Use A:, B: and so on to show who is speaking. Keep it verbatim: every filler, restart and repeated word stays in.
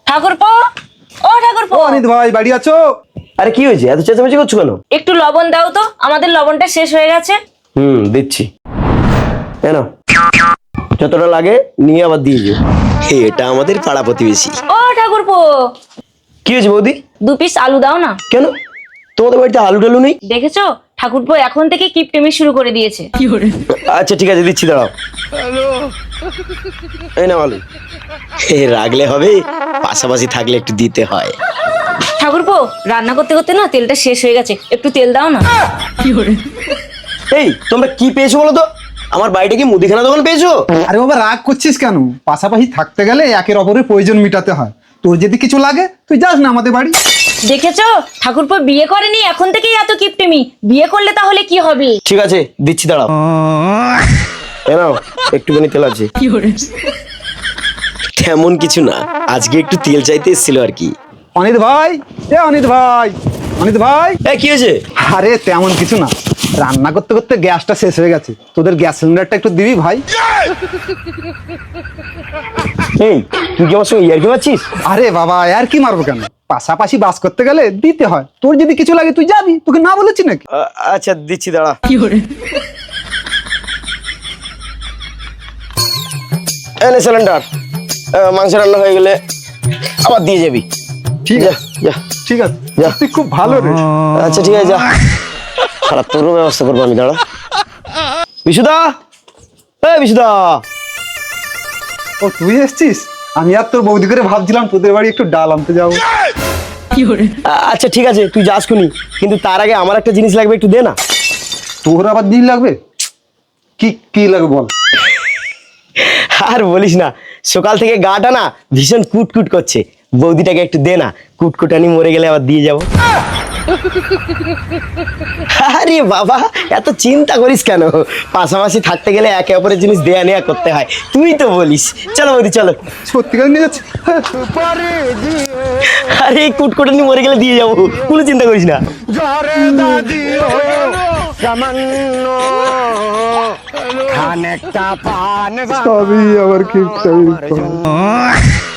A: ঠাকুরপো, ও ঠাকুরপো,
B: ও অনিত ভাই বাড়ি আছো?
C: আরে কি হয়েছে, এত চেঁচামেচি করছো কেন?
A: একটু লবণ দাও তো, আমাদের লবণটা শেষ হয়ে গেছে।
C: হুম দিচ্ছি, কেন যতটা লাগে নিয়ে আবার দিয়ে দিও। এটা আমাদের পাড়া প্রতিবেশী।
A: ও ঠাকুরপো,
C: কি হয়েছে বৌদি?
A: দু পিস আলু দাও না।
C: কেন তোমাদের বাড়িতে আলু টালু নেই?
A: দেখেছো ঠাকুরপো এখন থেকে কিপটেমি শুরু করে দিয়েছে।
C: আচ্ছা ঠিক আছে দিচ্ছি, দাঁড়াও। এই না আলু, এ রাখলে হবে, পাশাপাশি থাকলে একটু দিতে হয়।
A: ঠাকুরপো রান্না করতে করতে না তেলটা শেষ হয়ে গেছে, একটু তেল দাও না।
C: এই তোমরা কি পেয়েছো বলো তো? আমার বাড়িটা কি মুদিখানা দোকান পেয়েছো?
B: আরে বাবা রাগ করছিস কেন? পাশাপাশি থাকতে গেলে একের অপরের প্রয়োজন মিটাতে হয়। তোর যদি কিছু লাগে তুই যাস না আমাদের বাড়ি।
A: দেখেছো ঠাকুরপো বিয়ে করেনি, এখন থেকেই এত কিপটেমি। বিয়ে করলে তাহলে কি হবে?
C: ঠিক আছে দিচ্ছি, দাঁড়াও। এ নাও একটুখানি তেল আছে। তেমন কিছু না, আজকে একটু তেল চাইতে এসেছিল আর কি।
B: অনিত ভাই, এ অনিত ভাই, অনিত ভাই।
C: এ কি হয়েছে?
B: আরে তেমন কিছু না, রান্না করতে করতে গ্যাসটা শেষ হয়ে গেছে, তোদের গ্যাস সিলিন্ডারটা একটু দিবি ভাই।
C: এই তুই কি আমার সঙ্গে ইয়ার্কি মারছিস?
B: আরে বাবা আর কি মারবো কেন, পাশাপাশি বাস করতে গেলে দিতে হয়। তোর যদি কিছু লাগে তুই যাবি, তোকে না বলেছি নাকি?
C: আ- আচ্ছা দিচ্ছি, দাঁড়া। এনে সিলিন্ডার, মাংস রান্না হয়ে গেলে আবার দিয়ে যাবি।
B: ঠিক
C: যা
B: আছে
C: যা
B: ঠিক আছে,
C: যা।
B: তুই খুব ভালো রে।
C: আচ্ছা ঠিক আছে যা, খারাপ তোরও ব্যবস্থা করবো আমি, দাঁড়া। বিশুদা, এ বিশুদা।
B: ও তুই এসছিস? আমি আর তোর বৌদি করে ভাবছিলাম তোদের বাড়ি একটু ডাল আনতে যাবো।
C: আ- আচ্ছা ঠিক আছে তুই যাস খুনি, কিন্তু তার আগে আমার একটা জিনিস লাগবে, একটু দে না।
B: তোর আবার দিন লাগবে? কি কি লাগবে বল?
C: আর বলিস না, সকাল থেকে গাটা না ভীষণ কুটকুট করছে, বৌদিটাকে একটু দে না, কুটকুটানি মরে গেলে আবার দিয়ে যাবো। আরে বাবা এত চিন্তা করিস কেন, পাশাপাশি থাকতে গেলে একে অপরের জিনিস দেয়া নেয়া করতে হয়, তুই তো বলিস। চলো বৌদি চলো।
B: সত্যিকার নিয়ে যাচ্ছে।
C: আরে কুটকুটানি মরে গেলে দিয়ে যাবো, কোনো চিন্তা করিস না।
B: সবই আবার কি